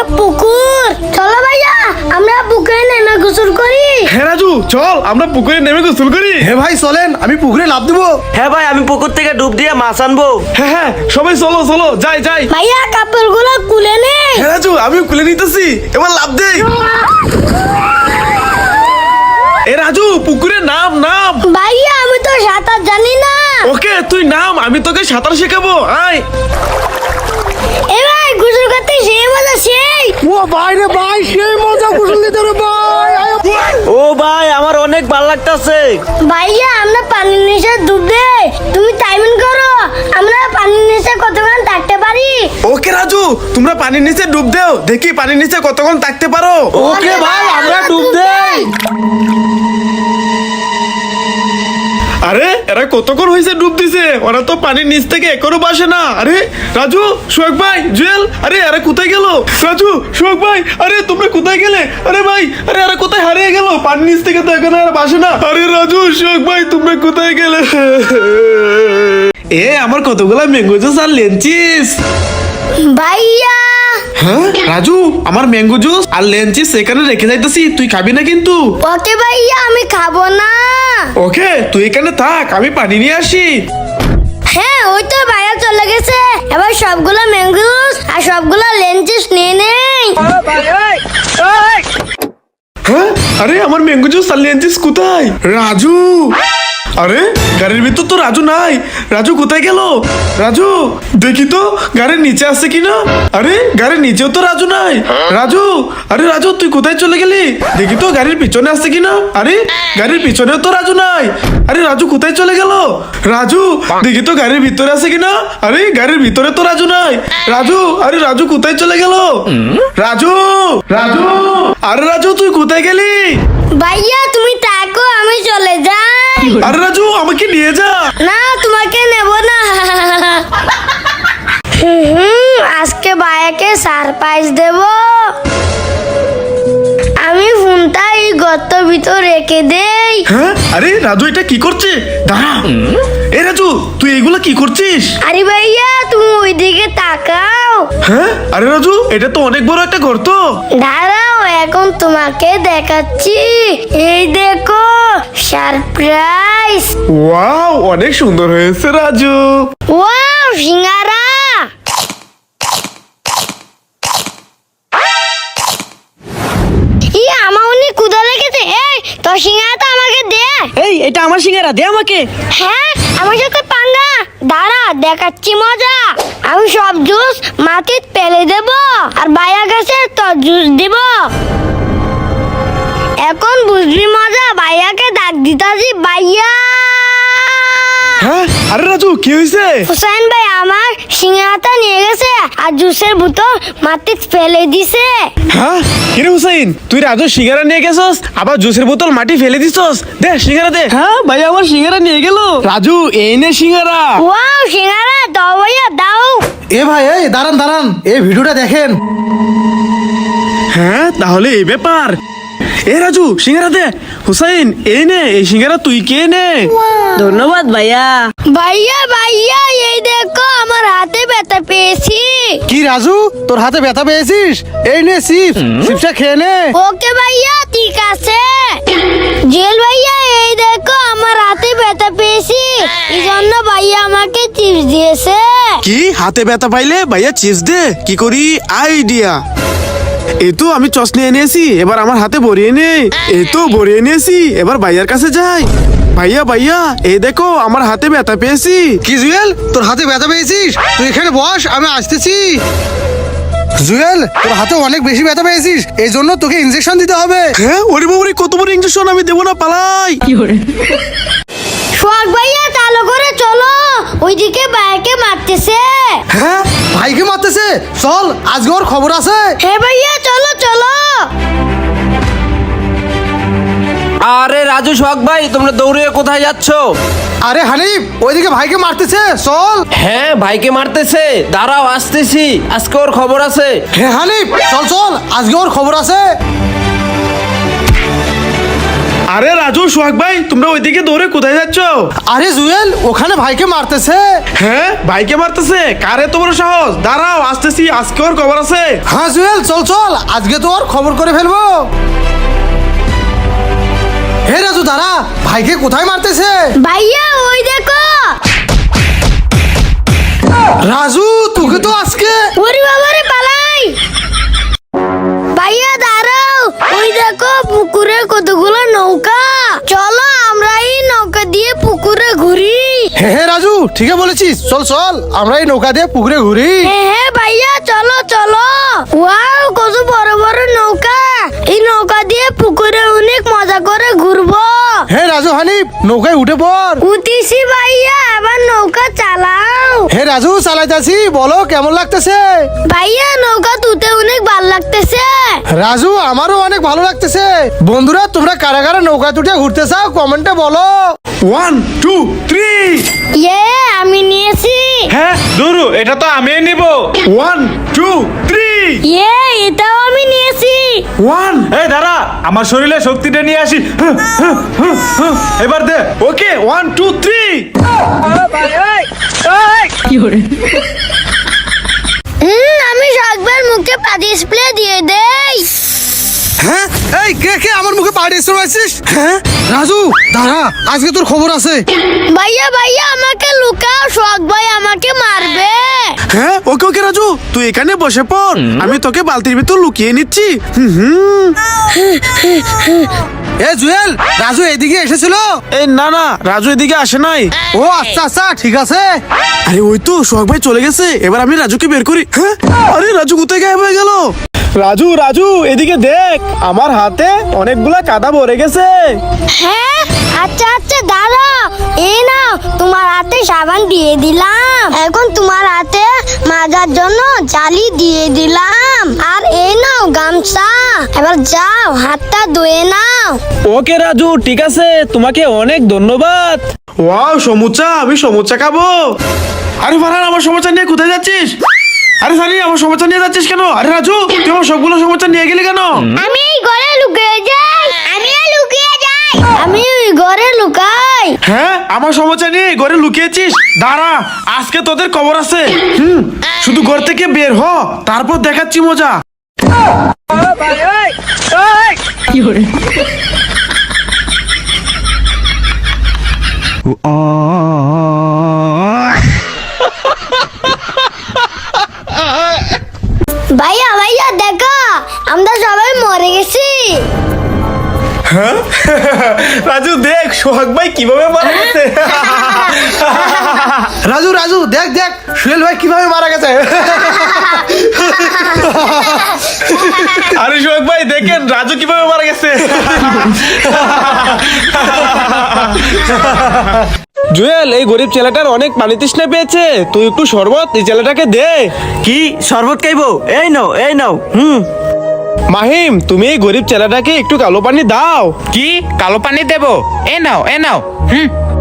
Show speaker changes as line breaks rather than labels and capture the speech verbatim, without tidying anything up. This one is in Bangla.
পুকুর, চলো ভাইয়া আমরা পুকুরে নেমে গোসল করি।
হ্যাঁ রাজু, চল আমরা পুকুরে নেমে গোসল করি।
হ্যাঁ ভাই চলেন, আমি পুকুরে লাফ দেবো।
হ্যাঁ ভাই, আমি পুকুর থেকে ডুব দিয়ে মাছ আনবো।
হ্যাঁ হ্যাঁ সবাই চলো চলো, যাই যাই।
ভাইয়া কাপড়গুলো খুলে নে।
হ্যাঁ রাজু, আমি খুলে নিতেছি, এবার লাফ দেই। এ রাজু, পুকুরে নাম নাম।
ভাইয়া আমি তো সাঁতার জানি না।
ওকে তুই নাম, আমি তোকে সাঁতার শেখাবো, আয়।
এ ভাই গোসল করতে সেই মজা সেই।
ও ভাই রে ভাই, সেই মজা গোসল দিতে রে ভাই।
ও ভাই, আমার অনেক ভালো লাগতেছে।
ভাইয়া আমরা পানির নিচে ডুব দেই, তুমি টাইমিং করো আমরা পানির নিচে কতক্ষণ থাকতে পারি।
ওকে রাজু, তোমরা পানির নিচে ডুব দাও, দেখি পানির নিচে কতক্ষণ থাকতে পারো।
ওকে ভাই, আমরা ডুব দেই।
আরে এরা কতক্ষণ হয়েছে ডুব দিছে, ওরা তো পানির নিচ থেকে এখনো বাসে না। আরে রাজু, সোহাগ ভাই, জুয়েল, আরে এরা কোথায় গেল? রাজু, সোহাগ ভাই, আরে তোমরা কোথায় গেলে? আরে ভাই, আরে এরা কোথায় হারিয়ে গেল? পানির নিচ থেকে তো এখনো এরা বাসে না। আরে রাজু, সোহাগ ভাই, তোমরা কোথায় গেলে? এ আমার কতগুলা ম্যাঙ্গো জুস আর লেঞ্চিস।
ভাইয়া
হ্যাঁ রাজু, আমার ম্যাঙ্গো জুস আর লেঞ্চিস সেখানে রেখে যাইতেছি, তুই খাবি না কিন্তু।
ওকে ভাইয়া আমি খাবো না।
ওকে তুই এখানে থাক, আমি পানি নিয়ে আসি।
হ্যাঁ ওই তো ভাইয়া চলে গেছে, এবার সবগুলো ম্যাঙ্গোস আর সবগুলো লেঞ্চিস নিয়ে নেই।
হ্যাঁ আরে আমার ম্যাঙ্গো জুস আর লেঞ্চিস কোথায়? রাজু, আরে গাড়ির ভিতর তো রাজু নাই। রাজু কোথায় গেল? রাজু দেখি তো গাড়ির নিচে আছে কিনা। আরে গাড়ির নিচেও তো রাজু নাই। রাজু, আরে রাজু তুই কোথায় চলে গেলি? দেখি তো গাড়ির পিছনে আছে কিনা। আরে গাড়ির পিছনেও তো রাজু নাই। আরে রাজু কোথায় চলে গেল? রাজু দেখি তো গাড়ির ভিতরে আছে কিনা। আরে গাড়ির ভিতরে তো রাজু নাই। রাজু, আরে রাজু কোথায় চলে গেল? রাজু, রাজু, আরে রাজু তুই কোথায় গেলি?
ভাইয়া তুমি থাকো আমি চলে যাই।
আরে রাজু আমাকে নিয়ে যা।
না তোমাকে নেব না। হুম হুম, আজকে ভাইয়াকে সারপ্রাইজ দেব। আমি ফোনটা এই গর্তের ভিতর রেখে দেই।
হ্যাঁ আরে রাজু এটা কি করছে? দাঁড়া, এ রাজু তুই এগুলা কি করছিস?
আরে ভাইয়া তুমি ওইদিকে তাকাও।
হ্যাঁ আরে রাজু, এটা তো অনেক বড় একটা গর্ত।
দাঁড়াও এখন তোমাকে দেখাচ্ছি, এই দেখো সারপ্রাইজ।
ওয়াও অনেক সুন্দর হয়েছে রাজু।
ওয়াও সিঙ্গারা। ই আমার অনেক ক্ষুধা লেগেছে, এই তোর সিঙ্গারাটা আমাকে দে।
এই এটা আমার সিঙ্গারা, দে আমাকে।
হ্যাঁ আমার সাথে পাঙ্গা, দাঁড়া দেখাচ্ছি মজা। আমি সব জুস মাটিতে ফেলে দেব আর ভাইয়া গাছে তোর জুস দিব। এখন বুঝবি মজা, ভাইয়াকে ডাক দিতাছি ভাইয়া।
হ্যাঁ আরে রাজু কি হয়েছে?
হুসাইন ভাই আমার সিঙ্গারাটা নিয়ে গেছে আর জুসের বোতল মাটিতে ফেলে দিছে।
হ্যাঁ কিরে হুসাইন, তুই রাজু সিঙ্গারা নিয়ে গেছস, আবার জুসের বোতল মাটি ফেলে দিছস। দে সিঙ্গারা দে।
হ্যাঁ ভাই, আমার সিঙ্গারা নিয়ে গেল।
রাজু এই নে সিঙ্গারা।
ওয়াও সিঙ্গারা দাও ভাইয়া দাও।
এ ভাই এই দাঁড়ান দাঁড়ান, এই ভিডিওটা দেখেন।
হ্যাঁ তাহলে এই ব্যাপার। এ রাজু সিঙ্গারা দে। হুসাইন এই নে, এই সিঙ্গারা তুই কে নে।
ধন্যবাদ ভাইয়া।
ভাইয়া ভাইয়া এই দেখো আমার হাতে ব্যথা পেয়েছি।
কি রাজু, তোর হাতে ব্যথা পেয়েছিস? এই নে চিপস, চিপসটা খেয়ে নে।
ওকে ভাইয়া ঠিক আছে। জেল ভাইয়া এই দেখো আমার হাতে ব্যথা পেয়েছি, এই জন্য ভাইয়া আমাকে চিপস দিয়েছে।
কি হাতে ব্যথা পাইলে ভাইয়া চিপস দে? কি করি আইডিয়া। এই তো আমি চস নিয়ে এনেছি, এবার আমার হাতে ভরিয়ে নে। এই তো ভরিয়ে নিয়েছি, এবার ভাইয়ার কাছে যাই। ভাইয়া ভাইয়া এই দেখো আমার হাতে ব্যথা পেয়েছি।
কি জুয়েল, তোর হাতে ব্যথা পেয়েছিস? তুই এখানে বস, আমি আসতেছি। জুয়েল তোর হাতে অনেক বেশি ব্যথা পেয়েছিস, এই জন্য তোকে ইনজেকশন দিতে হবে।
হ্যাঁ ওরে বাবারে, কত বড় ইঞ্জেকশন, আমি দেবো না, পালাই।
সোহাগ ভাইয়া চালু করে চলো, ওইদিকে ভাইয়াকে মারতেছে।
হ্যাঁ ভাইকে মারতেছে, চল আজকে ওর খবর আছে।
হ্যাঁ ভাইয়া চলো চলো।
আরে রাজু, সোহাগ ভাই, তোমরা দৌড়ে কোথায় যাচ্ছ?
আরে হানিফ ওইদিকে ভাইকে মারতেছে, চল।
হ্যাঁ ভাইকে মারতেছে, দাঁড়াও আসতেছি, আজকে ওর খবর আছে।
হ্যাঁ হানিফ চল চল, আজকে ওর খবর আছে।
আরে রাজু সোহাগ ভাই তোমরা ওইদিকে দৌড়ে কোথায় যাচ্ছ?
আরে জুয়েল ওখানে ভাইকে মারতেছে।
হ্যাঁ ভাইকে মারতেছে? কারে তো বড় সাহস? দাঁড়াও আসতেছি, আজকে ওর খবর আছে।
হ্যাঁ জুয়েল চল চল, আজকে তো ওর খবর করে ফেলবো। হে রাজু দাঁড়া, ভাইকে কোথায় মারতেছে?
ভাইয়া ওই দেখো।
রাজু তোকে তো আজকে।
ওরে বাবারে পালাই। ভাইয়া দাঁড়াও, ওই দেখো পুকুরে কতগুলো নৌকা। চলো আমরা এই নৌকা দিয়ে পুকুরে ঘুরি।
হে হে রাজু ঠিকই বলেছিস, চল চল আমরা এই নৌকা দিয়ে পুকুরে ঘুরি।
হ্যাঁ হ্যাঁ ভাইয়া চলো চলো। ওয়াও কত বড় বড় নৌকা। এই নৌকা দিয়ে পুকুরে অনেক মজা করে ঘুরবো।
হে রাজু হানিফ নৌকায় উঠে পড়।
উঠিছি ভাইয়া, এবার নৌকা চালাও।
হে রাজু চালাইতাছি, বলো কেমন লাগতেছে?
ভাইয়া নৌকা তুতে অনেক ভালো লাগতেছে।
রাজু আমারও অনেক ভালো লাগতেছে। বন্ধুরা তোমরা কারা কারা নৌকা তুটে ঘুরতে চাও কমেন্টে বলো।
One two three.
ইয়ে আমি নিয়েছি।
হ্যাঁ দুরু, এটা তো আমি নিব।
One two three.
ইয়ে এটাও আমি নিয়েছি।
ওয়ান।
এই দাঁড়া, আমার শরীরে শক্তিটা নিয়ে আসি। হুঁ, হুঁ, হুঁ, হুঁ। এবার দে।
Okay one two three.
হুম আমি সকবার মুখে পাতি স্প্রে দিয়ে দেই।
হ্যাঁ এই কে কে আমার মুখে পাড়ি শুনাইছিস? হ্যাঁ রাজু দাঁড়া, আজকে তোর খবর আছে।
ভাইয়া ভাইয়া আমাকে লুকাও, শখ ভাই আমাকে মারবে।
হ্যাঁ ওকে ওকে রাজু তুই এখানে বসে পড়, আমি তোকে বালতির ভিতর লুকিয়ে নিচ্ছি। হুম হুম।
এ জুয়েল রাজু এদিকে এসেছিল?
এই না না রাজু এদিকে আসে নাই।
ও আচ্ছা আচ্ছা ঠিক আছে।
আরে ওই তো সোহাগ ভাই চলে গেছে, এবার আমি রাজুকে বের করি। হ্যাঁ আরে রাজু কোথায় গায়েব হয়ে গেল? রাজু রাজু এদিকে দেখ, আমার হাতে অনেকগুলা কাদা ভরে গেছে।
হ্যাঁ আচ্ছা আচ্ছা দাঁড়া, এই নাও তোমার হাতে সাবান দিয়ে দিলাম। এখন তোমার হাতে মাজার জন্য জালি দিয়ে দিলাম। আর এই নাও গামছা, এবার যাও হাতটা ধুয়ে নাও।
ওকে রাজু ঠিক আছে, তোমাকে অনেক ধন্যবাদ।
ওয়াও সমুচা, আমি সমুচা খাবো। আরে ফারহান আমার সমুচা নিয়ে কোথায় যাচ্ছিস? আরে সানি আমার সমুচা নিয়ে যাচ্ছিস কেন? আরে রাজু তুই আমার সবগুলো সমুচা নিয়ে গেলি কেন?
আমি এই ঘরে লুকিয়ে যাই। আমিও লুকিয়ে যাই। আমি ওই ঘরে লুকাই।
হ্যাঁ আমার সমুচা নিয়ে ঘরে লুকিয়েছিস? দাঁড়া আজকে তোদের খবর আছে। হুম শুধু ঘর থেকে বের হ, তারপর দেখাচ্ছি মজা।
ভাইয়া ভাইয়া দেখো, আমরা সবাই মরে গেছি।
হ্যাঁ রাজু দেখ সোহাগ ভাই কিভাবে মারা গেছে।
রাজু রাজু দেখ দেখ সুয়েল ভাই কিভাবে মারা গেছে।
আরে সোহাগ ভাই দেখেন রাজু কিভাবে মারা গেছে।
জুয়েল এই গরিব ছেলেটার অনেক পানি তৃষ্ণা পেয়েছে, তুই একটু শরবত এই ছেলেটাকে দে।
কি শরবত খাইবো? এই নাও এই নাও। হুম
মাহিম তুমি এই গরিব ছেলেটাকে একটু কালো পানি দাও।
কি কালো পানি দেব? এ নাও এ নাও। হুম